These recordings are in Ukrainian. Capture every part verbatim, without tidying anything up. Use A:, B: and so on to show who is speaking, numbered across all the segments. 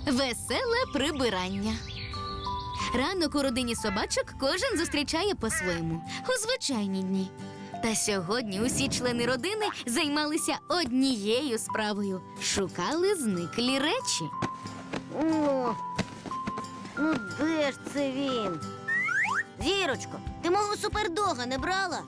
A: Веселе прибирання. Ранок у родині собачок кожен зустрічає по-своєму у звичайні дні. Та сьогодні усі члени родини займалися однією справою – шукали зниклі речі.
B: О, ну де ж це він? Зірочко, ти мого супердога не брала?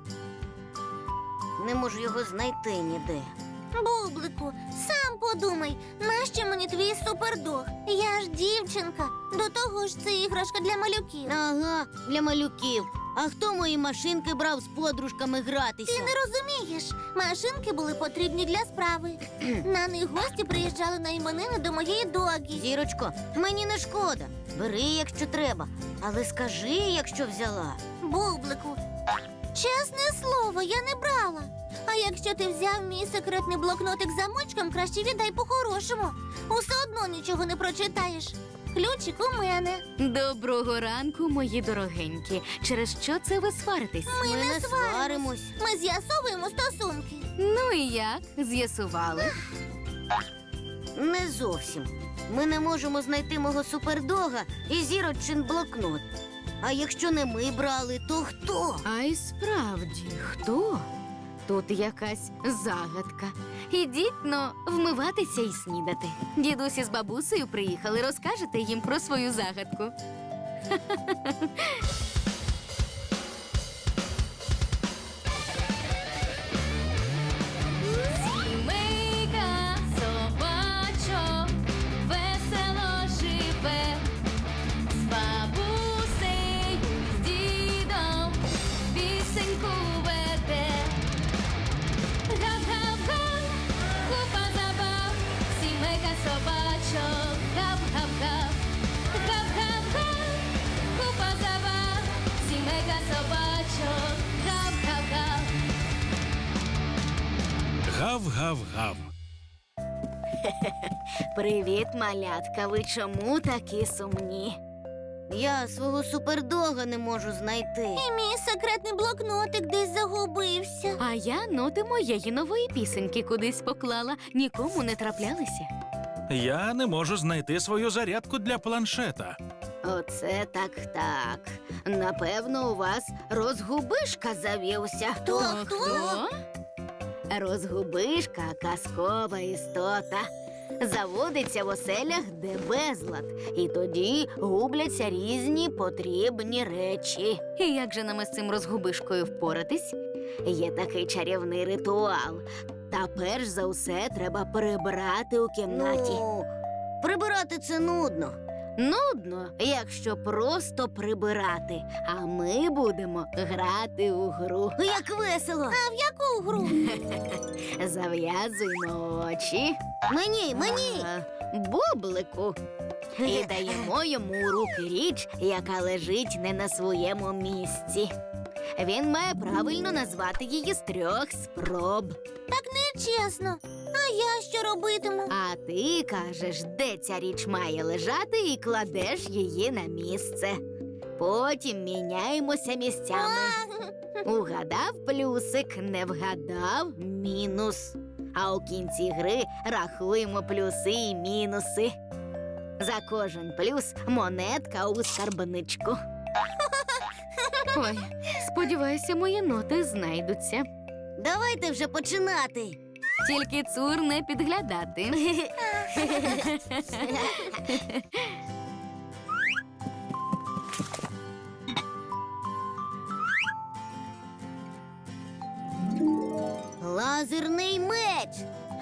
B: Не можу його знайти ніде.
C: Бублику, сам подумай, нащо мені твій супердог? Я ж дівчинка. До того ж, це іграшка для малюків.
B: Ага, для малюків. А хто мої машинки брав з подружками гратися?
C: Ти не розумієш. Машинки були потрібні для справи. На них гості приїжджали на іменини до моєї догі.
B: Зірочко, мені не шкода. Бери, якщо треба. Але скажи, якщо взяла.
C: Бублику, чесне слово, я не брала. А якщо ти взяв мій секретний блокнотик з замочком, краще віддай по-хорошому. Усе одно нічого не прочитаєш. Ключик у мене.
A: Доброго ранку, мої дорогенькі. Через що це ви сваритесь?
C: Ми,
B: Ми
C: не
B: не
C: сваримось.
B: сваримось.
C: Ми з'ясовуємо стосунки.
A: Ну і як? З'ясували?
B: Не зовсім. Ми не можемо знайти мого супердога і зірочин блокнот. А якщо не ми брали, то хто?
A: А й справді, хто? Тут якась загадка. Ідіть, но, вмиватися і снідати. Дідусь із бабусею приїхали, розкажете їм про свою загадку. Сімейка собачок весело живе, з бабусею, з дідом пісеньку веде. Гав-гав-га, купа забав, сімейка собачок, гав-гав-гав. Гав-гав-га, купа забав, сімейка собачок, гав-гав-гав.
D: Гав-гав-гав.
A: Привіт, малятка, ви чому такі сумні?
B: Я свого супердога не можу знайти.
C: І мій секретний блокнотик десь загубився.
A: А я ноти моєї нової пісеньки кудись поклала, нікому не траплялися.
D: Я не можу знайти свою зарядку для планшета.
B: Оце так-так. Напевно, у вас розгубишка завівся.
C: Хто, хто?
B: Розгубишка – казкова істота. Заводиться в оселях, де безлад. І тоді губляться різні потрібні речі.
A: І як же нам із цим розгубишкою впоратись?
B: Є такий чарівний ритуал. Та перш за все треба прибрати у кімнаті. Ну, прибирати це нудно. Нудно, якщо просто прибирати. А ми будемо грати у гру. Як весело!
C: А в яку гру?
B: Зав'язуємо очі. Мені, мені! А, бублику. І даємо йому у руки річ, яка лежить не на своєму місці. Він має правильно назвати її з трьох спроб.
C: Так нечесно. А я що робитиму?
B: А ти кажеш, де ця річ має лежати, і кладеш її на місце. Потім міняємося місцями. Угадав плюсик, не вгадав мінус. А у кінці гри рахуємо плюси і мінуси. За кожен плюс монетка у скарбничку.
A: Ой, сподіваюся, мої ноти знайдуться.
B: Давайте вже починати.
A: Тільки цур не підглядати.
B: Лазерний меч.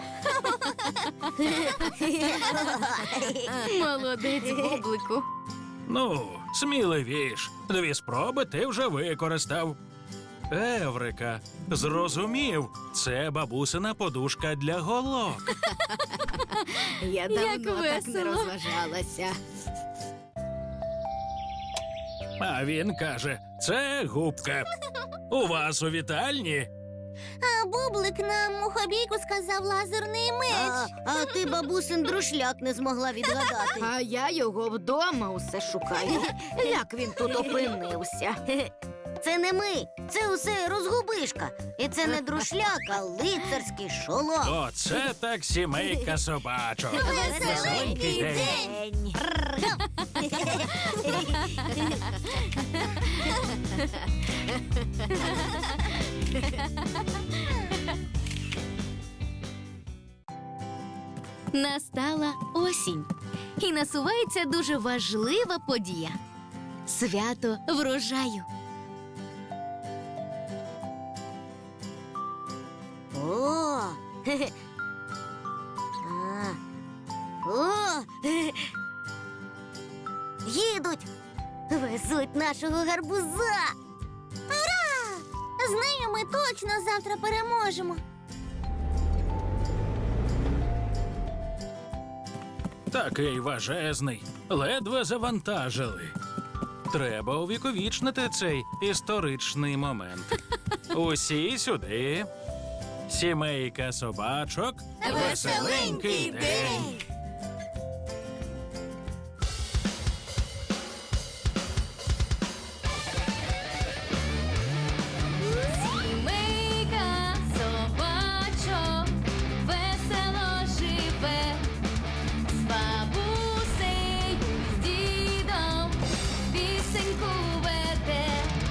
A: Молодець, бублику.
D: Ну, сміливіш. Дві спроби ти вже використав. Еврика, зрозумів, це бабусина подушка для голок.
B: Я
A: Як
B: давно так не
A: весело.
B: розважалася.
D: А він каже, це губка. У вас у вітальні?
C: А бублик нам у хобійку сказав лазерний меч.
B: А, а ти бабусин друшляк не змогла відгадати.
A: А я його вдома усе шукаю.
B: Як він тут опинився? це не ми. Це усе розгубишка. І це не друшляк, а лицарський шолом.
D: Оце так сімейка собачок.
C: Веселенький
B: день.
A: Настала осінь, і насувається дуже важлива подія – свято врожаю.
B: О! хе-хе. А. О! хе-хе. Їдуть! Везуть нашого гарбуза!
C: З нею ми точно завтра переможемо.
D: Такий важезний. Ледве завантажили. Треба увіковічнити цей історичний момент. Усі сюди. Сімейка собачок. Веселенький день.
A: Сімейка собачок весело живе, з бабусею, з дідом пісеньку веде.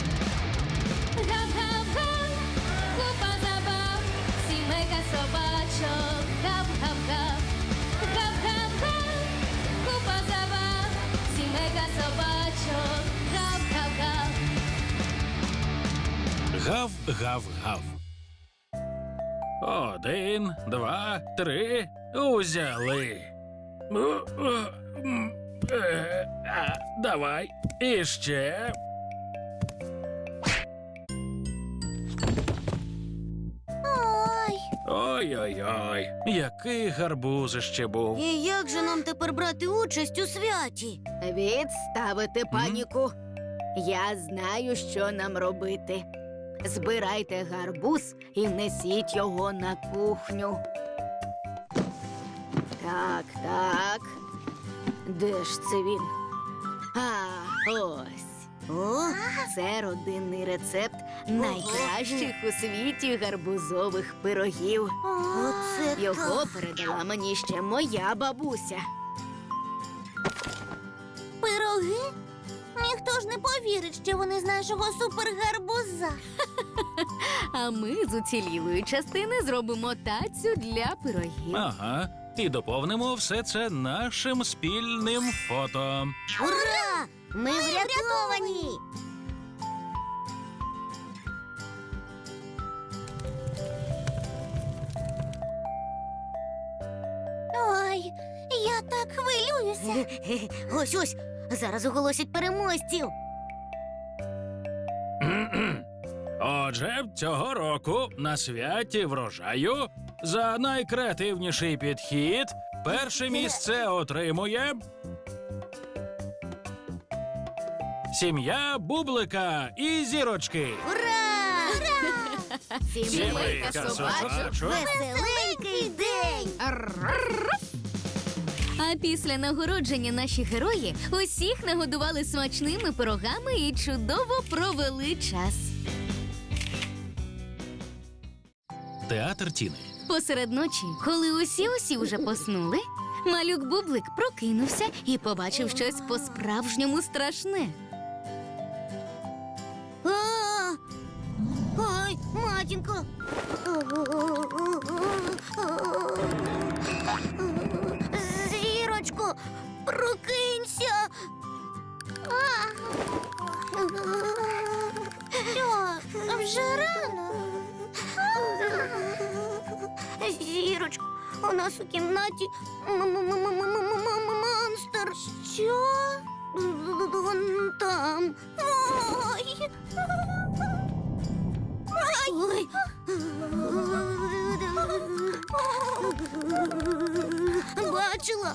A: Гав-гав-га, купа забав, сімейка собачок, гав-гав-гав. Гав-гав-га, купа забав, сімейка собачок, гав-гав-гав.
D: Гав-гав-гав. Один, два, три. Узяли. Е, е, м, е, а, Давай. Іще.
C: Ой,
D: Ой-ой-ой. Який гарбузище був.
B: І як же нам тепер брати участь у святі? Відставити паніку. Я знаю, що нам робити. Збирайте гарбуз і несіть його на кухню. Так, так. Де ж це він? А, ось. О, це родинний рецепт найкращих у світі гарбузових пирогів.
C: оце
B: Його передала мені ще моя бабуся.
C: пироги? Ніхто ж не повірить, що вони з нашого супергарбуза.
A: А ми з уцілілої частини зробимо тацю для пирогів.
D: Ага. І доповнимо все це нашим спільним фото.
B: Ура! Ми врятовані!
C: Ой, я так хвилююся.
B: Ось ось, зараз оголосять переможців.
D: Отже, цього року на святі врожаю за найкреативніший підхід перше місце отримує сім'я Бублика і Зірочки.
B: Ура!
D: Сімейка собачок.
B: Веселенький день!
A: А після нагородження наші герої усіх нагодували смачними пирогами і чудово провели час.
D: Театр Тіни.
A: Посеред ночі, коли усі-усі вже поснули, малюк Бублик прокинувся і побачив щось по-справжньому страшне.
B: А! Ой, матінко! Зірочко, прокинься!
C: Що, вже рано?
B: Зірочко, у нас у кімнаті монстр.
C: Що?
B: Вон там.
C: Ой,
B: Ой. Бачила?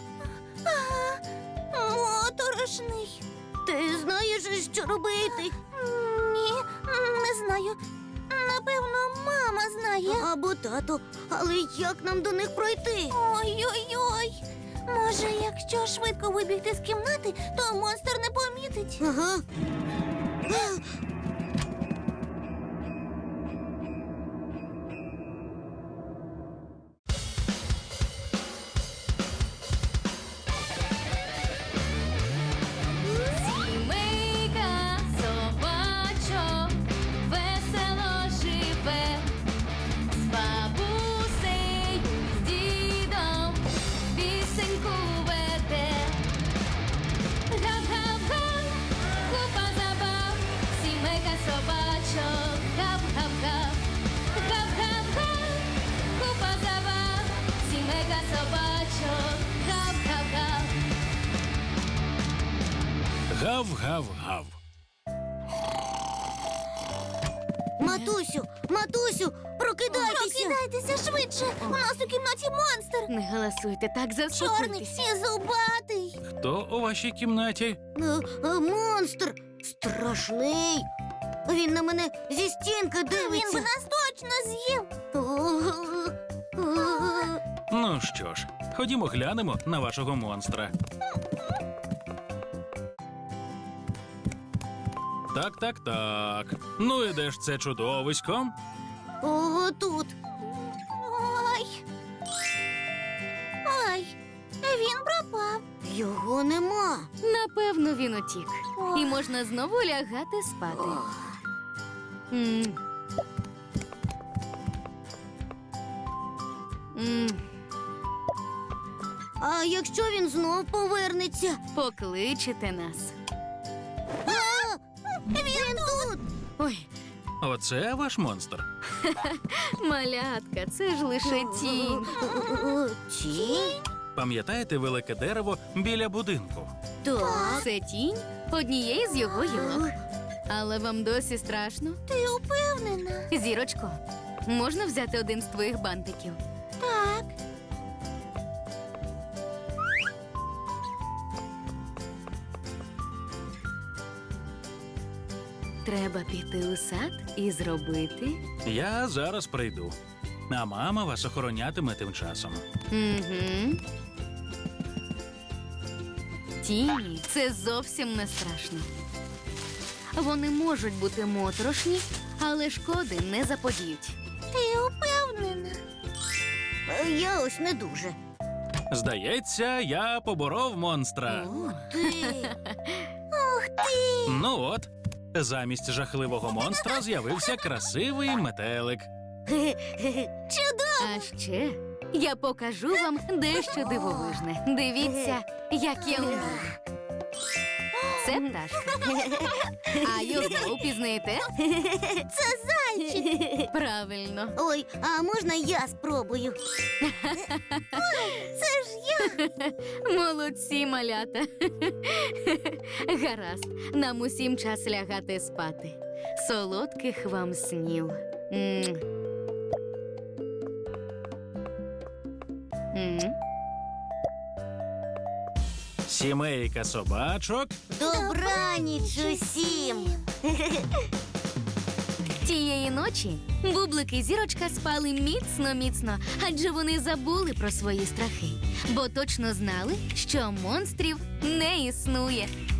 C: моторошний.
B: Ти знаєш, що робити?
C: Ні, не знаю. Напевно, мама знає.
B: Або тато. Але як нам до них пройти?
C: Ой-ой-ой. Може, якщо швидко вибігти з кімнати, то монстр не помітить.
B: Ага.
D: Гав-гав-гав.
B: Матусю, матусю, прокидайтеся!
C: Прокидайтеся швидше! У нас у кімнаті монстр!
A: Не голосуйте так,
C: Чорний
A: заспокойтеся.
C: і зубатий!
D: Хто у вашій кімнаті?
B: Е, е, Монстр! Страшний! Він на мене зі стінки
C: Він би
B: дивиться.
C: нас точно з'їв!
D: Ну що ж, ходімо глянемо на вашого монстра. Так, так, так. Ну і де ж це чудовисько?
B: Ого, тут.
C: Ой! Ой! Він пропав!
B: Його нема.
A: Напевно, він утік.
C: Ох.
A: І можна знову лягати спати. М. М.
B: А якщо він знов повернеться?
A: Покличете нас.
B: А! Він тут.
A: Ой,
D: Оце ваш монстр.
A: малятка, це ж лише тінь.
B: Тінь?
D: Пам'ятаєте велике дерево біля будинку?
B: Так.
A: Це тінь однієї з його гілок. Але вам досі страшно?
C: Ти упевнена?
A: Зірочко, можна взяти один з твоїх бантиків?
C: Так.
A: Треба піти у сад і зробити.
D: Я зараз прийду. А мама вас охоронятиме тим часом.
A: Угу. Тіні це зовсім не страшно. Вони можуть бути моторошні, але шкоди не заподіють.
C: Ти упевнена?
B: Е, Я ось не дуже.
D: Здається, я поборов монстра.
B: Ти.
C: Ух ти!
D: Ну от, замість жахливого монстра з'явився красивий метелик.
C: Чудово!
A: А ще я покажу вам дещо дивовижне. Дивіться, як я вмію. Це пташка. А його впізнаєте?
C: Це зайчик!
A: Правильно.
B: Ой, а можна я спробую?
C: Це ж я!
A: Молодці, малята. Гаразд, нам усім час лягати спати. Солодких вам снів. М. М.
D: Сімейка собачок.
B: Добраніч усім.
A: Тієї ночі Бублик і Зірочка спали міцно-міцно, адже вони забули про свої страхи, бо точно знали, що монстрів не існує.